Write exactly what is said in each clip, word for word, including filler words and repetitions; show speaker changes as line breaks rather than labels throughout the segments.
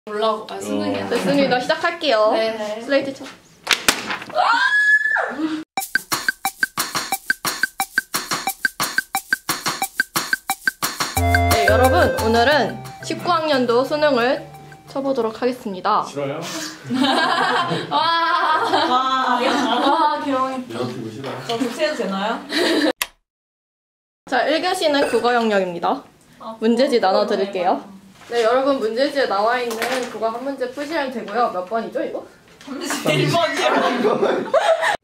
몰라고. 아, 수능이야.
됐습니다. 시작할게요.
네.
슬레이트 쳐. 네, 여러분 오늘은 십구 학년도 수능을 쳐보도록 하겠습니다.
싫어요?
와. 와. 와, 귀여워.
이렇게 싫어.
저 교체해도 되나요?
자, 일 교시는 국어 영역입니다.
아,
문제지 나눠드릴게요. 네, 여러분 문제지에 나와 있는 국어 한 문제 푸시면 되고요. 몇 번이죠, 이거?
일 번이요.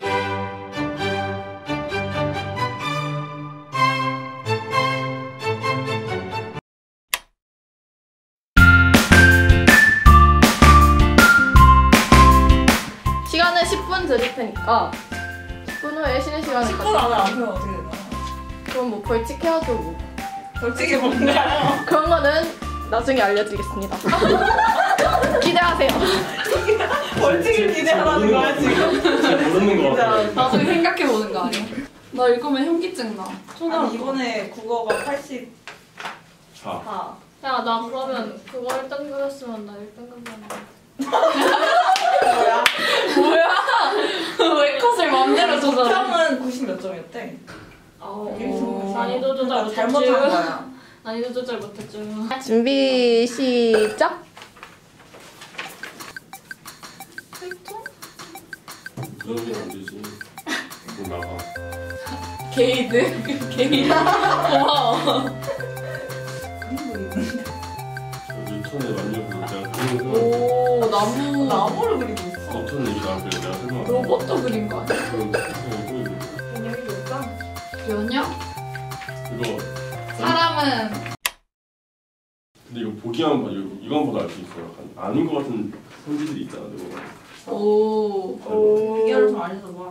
시간은 십 분 드릴 테니까 십 분 후에 쉬는 시간을
십 분 안에 안 하면 어떻게 되나요?
그럼 뭐 벌칙 해야죠, 뭐.
벌칙이 뭔가요?
그런 거는 나중에 알려드리겠습니다. 기대하세요.
벌칙을 기대하라는 거야 지금?
잘 모르는 거 같아.
나중에 생각해보는 거 아니야? 나 읽으면 현기증 나.
아니 이번에 국어가 팔십사.
자,
야, 나 그러면 그거 일 등급이었으면 나 일 등급이었는데.
뭐야?
뭐야? 왜 컷을 맘대로 조절해?
평은 구십 몇 점이었대?
어, 난이도 조절 못했지.
잘못한 거야.
난이도 조절 못했죠.
준비 시작.
그런 게 안 되지. 뭐 나가.
게이드? 게이드? 고마워.
뉴턴의 만족으로 내가 그런 거
오, 나무.
나무를 그리고 있어.
뉴턴 얘기 나한테 내가 설명.
로봇도 그린 거 아니야?
그런 거 보이고.
개념이 없다.
면역?
이거.
사람은
근데 이거 보기만 봐. 이거 이건 보다 알 수 있어. 약간 아닌 것 같은 성질들이 있잖아. 이거.
오.
오. 이해를 좀 알려줘봐.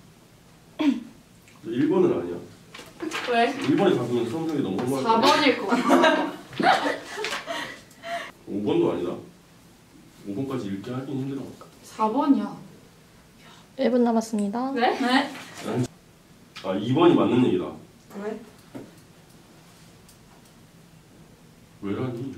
일 번은 아니야.
왜?
일 번에 가면 수험생이 너무 험할
사 번일 것 같아.
오 번도 아니다. 오 번까지 읽기 하긴 힘들어.
사 번이야.
일 분 남았습니다.
네? 네?
아, 이 번이 맞는 얘기다.
왜?
왜라니?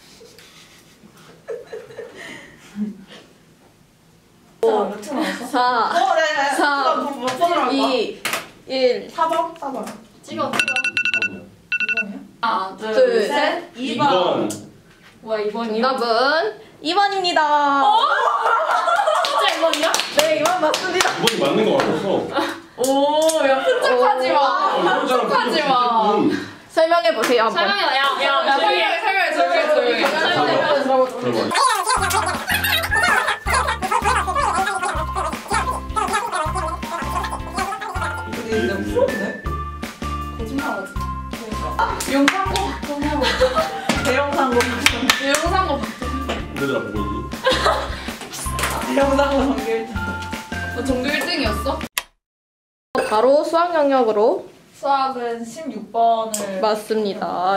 자, 몇초 남았어?
사,
어, 네, 네.
사,
몇 번으로 할까?
이, 일.
사 번? 사 번.
찍어, 찍어.
이 번이요?
하나, 둘,
둘,
셋.
셋.
이
이
번.
번.
뭐야, 이 번이야?
정답은 이 번입니다.
진짜 이 번이야?
네, 이 번 맞습니다.
이 번이 맞는 거 같았어.
오, 야, 푼척하지 마.
어,
푼척하지 마.
설명해 보세요, 한번.
설명해, 야, 야, 야, 설명해, 설명해, 설명해, 설명해. 설명해.
들어봐.
근데 이제 프로네?
거짓말하지 마.
그러니까.
영상고 박정해.
대형상고.
영상고 박정해.
얘들아 보고 있니?
대형상고 전교 일 등.
너 전교 일 등이었어?
바로 수학 영역으로
수학은 십육 번을.
맞습니다.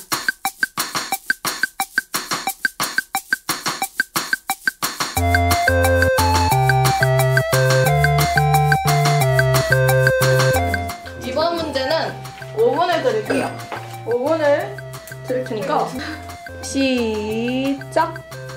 이번 문제는 오 분을 드릴게요. 오 분을 드릴 테니까 시작.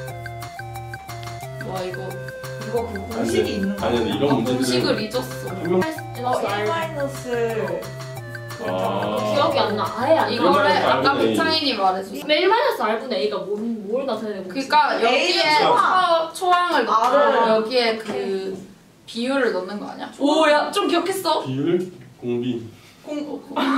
와, 이거.
이거 그 공식이 있는 거
아니 근데 이런 문제들은
공식을 잊었어.
한 명-
어, 일 마이너스.
아.
기억이 안 나. 아예 안 나. 이거를
일 마이너스
아까
알분의 A.
백창인이 말해줬어. 일 마이너스 R분의 A가 뭔, 뭘 나타내는 거지?
그러니까 여기에
A는
초, 초항을 넣고
R을
여기에 그 비율을 넣는 거 아니야?
오, 야, 좀 기억했어.
비율 공비.
공.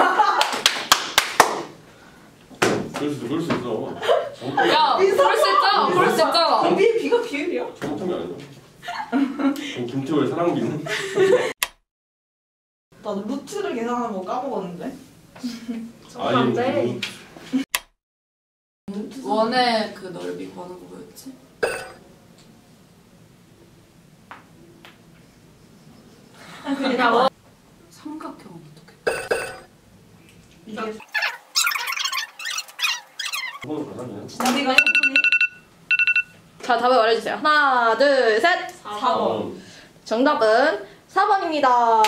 그럴 수 그럴 수 있어.
야, 그럴 수 있잖아. 그럴 수 있잖아.
공비 비가 비율이야?
잘못한 게 아니야. 그럼 김태호의 사랑비는?
나 루트를 계산하는 거 까먹었는데.
안 돼.
원의 그 넓이 구하는 거 뭐였지?
야, 뭐.
삼각형은 어떻게?
이게
그건 가상이야.
우리가 해보니
자, 답을 말해주세요. 하나, 둘, 셋.
사 번.
정답은 사 번입니다.
와.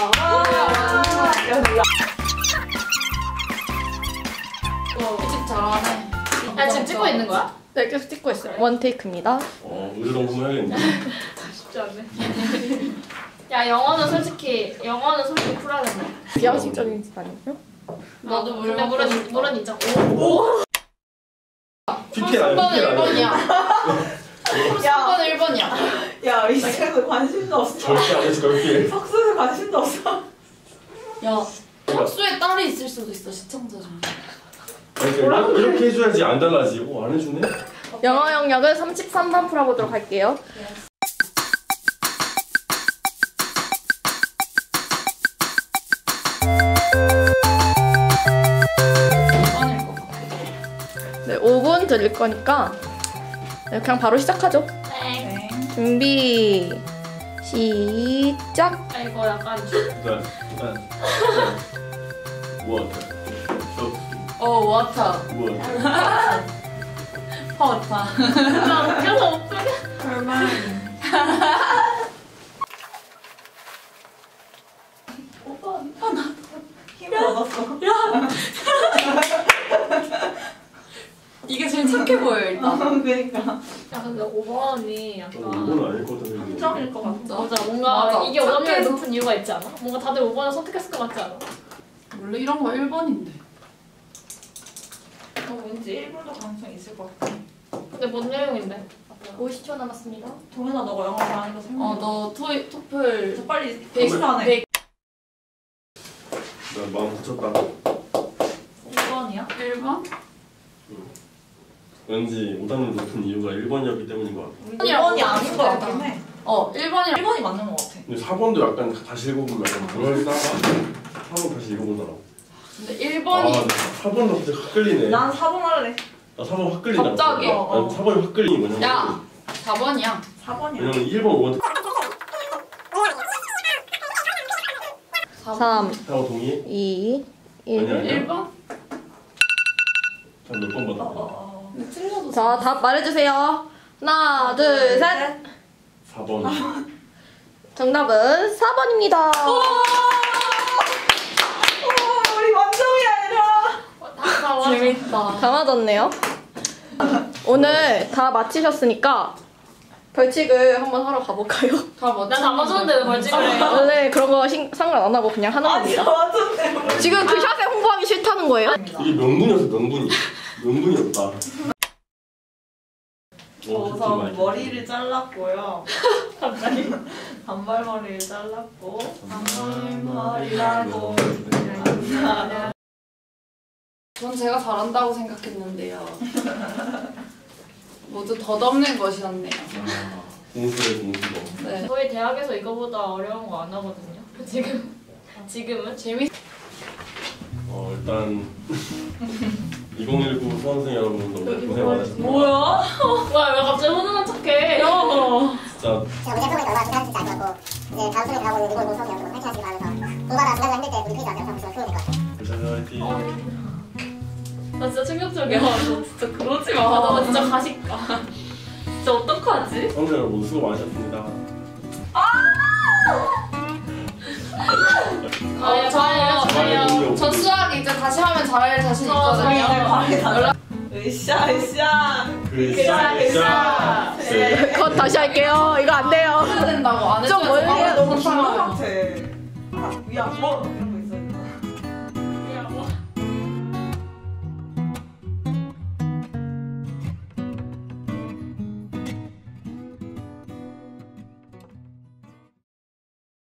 일찍 잘하네.
야, 지금 찍고 있는 거야?
네, 계속 찍고 있어요. 원 테이크입니다.
어, 의료동품 해야겠네.
쉽지 않네. 야 영어는 솔직히 영어는 솔직히 쿨해야 된다.
비양식적인 집 아니에요?
나도 물
근데
먹고
물은
싶어.
물은 있잖아.
피켓
삼 번은
아니야?
일 번이야.
야,
삼 번은 일 번이야.
야, 이 책에서 관심도 없어.
절대 안 했어, 그렇게.
석수에 관심도 없어.
야, 석수에 딸이 있을 수도 있어, 시청자 중.
그러니까 이렇게 해줘야지 안 달라지. 오, 안 해주네?
영어 영역은 삼십삼 번 풀어보도록 할게요.
아닐 것 같아.
네, 오 분 드릴 거니까 네, 그냥 바로 시작하죠.
네.
준비, 시작!
아이고 약간
일단, 일단. 워터.
어, 워터.
워터.
퍼워터.
진짜 웃겨서 못 풀게.
힘을 얻었어.
이게 제일 착해 보여, 일단.
그러니까.
야 근데 오 번이
어,
약간
이건 아닐 것 같은데.
함정일 것 같아.
맞아 뭔가
맞아.
이게 오점률이
착해서.
높은 이유가 있지 않아? 뭔가 다들 오 번을 선택했을 것 같지 않아?
원래 이런 거 일 번인데.
어, 왠지 일본도 가능성이 있을 것 같아.
근데 뭔 내용인데?
오십 초 남았습니다.
동현아, 너가 영어 잘하니까 설명해.
어, 너 토이, 토플
저 빨리
백,
백십안에.
백
나 마음 붙였다.
일 번이야?
일 번?
왠지 오답률 높은 이유가 일 번이었기 때문인 것 같아.
일 번이 아닌 것 같긴 해.
어, 일 번이랑
일 번이 맞는 것 같아.
근데 사 번도 약간 다시 읽어보면 약간 그럴싸하다. 사 번 다시 읽어보더라고.
근데 일
아,
번이
사 번도 갑자기 확 끌리네.
난 사 번 할래.
나 사 번 확 끌린다.
갑자기?
난
어, 어.
사 번이 확 끌리는 거냐?
야! 사 번이야.
사 번이야.
왜냐면 일 번, 오 번
삼,
하고 동의해?
이,
아니야,
일.
아니야.
일 번?
몇 번
어,
받았다.
어, 어.
근데 틀려도
자, 답 말해주세요. 하나, 둘, 셋!
사 번.
정답은 사 번입니다.
오, 우리 완성이야, 얘들아.
다 맞아.
재밌다.
다 맞았네요. 오늘 다 마치셨으니까 벌칙을 한번 하러 가볼까요?
다 맞췄는데.
난다 맞았는데 왜 벌칙을 해요?
원래 그런 거 신- 상관 안 하고 그냥 하는
아니,
겁니다.
맞았네.
지금 그 샷에 홍보하기 싫다는 거예요?
이게 명분이었어, 명분이. 명분이었다. 어,
우선 머리를 잘랐고요. 갑자기 단발머리를 잘랐고 단발머리라고
전 제가 잘한다고 생각했는데요. 모두 덧없는 것이었네요.
아, 공수래, 공수거.
네.
저희 대학에서 이거보다 어려운 거 안 하거든요. 지금 지금은
재밌.
어, 일단 이천십구 수험생 여러분 너무 고생 많으셨습니다.
뭐야?
뭐야 왜 갑자기 훈훈한 척해?
진짜
제가 문제 풀고 있는 얼마나 긴장했을지 알 것 같고 이제 다음 수능에 가고 있는 이번 공성이 여러분 파이팅 하시기 바라면서 공부하다 중간중간 힘들 때 우리 페이지 앞에 영상 보시면 도움이 될것 같아요.
불사조 화이팅.
나 진짜 충격적이야. 너 진짜 그러지 마.
아,
너 진짜 가식가. 진짜 어떡하지?
수험생 여러분 수고 많으셨습니다.
아, 저 알려주세요.
전 수학 이제 다시 하면 잘할 자신
저
있거든요.
연락. 으쌰 으쌰.
글싸 글싸. 네.
그건 다시 할게요. 이거 안 돼요.
해야 된다고 안
좀
했어요.
멀리
아, 너무
못하면.
중간 같아. 아, 야, 뭐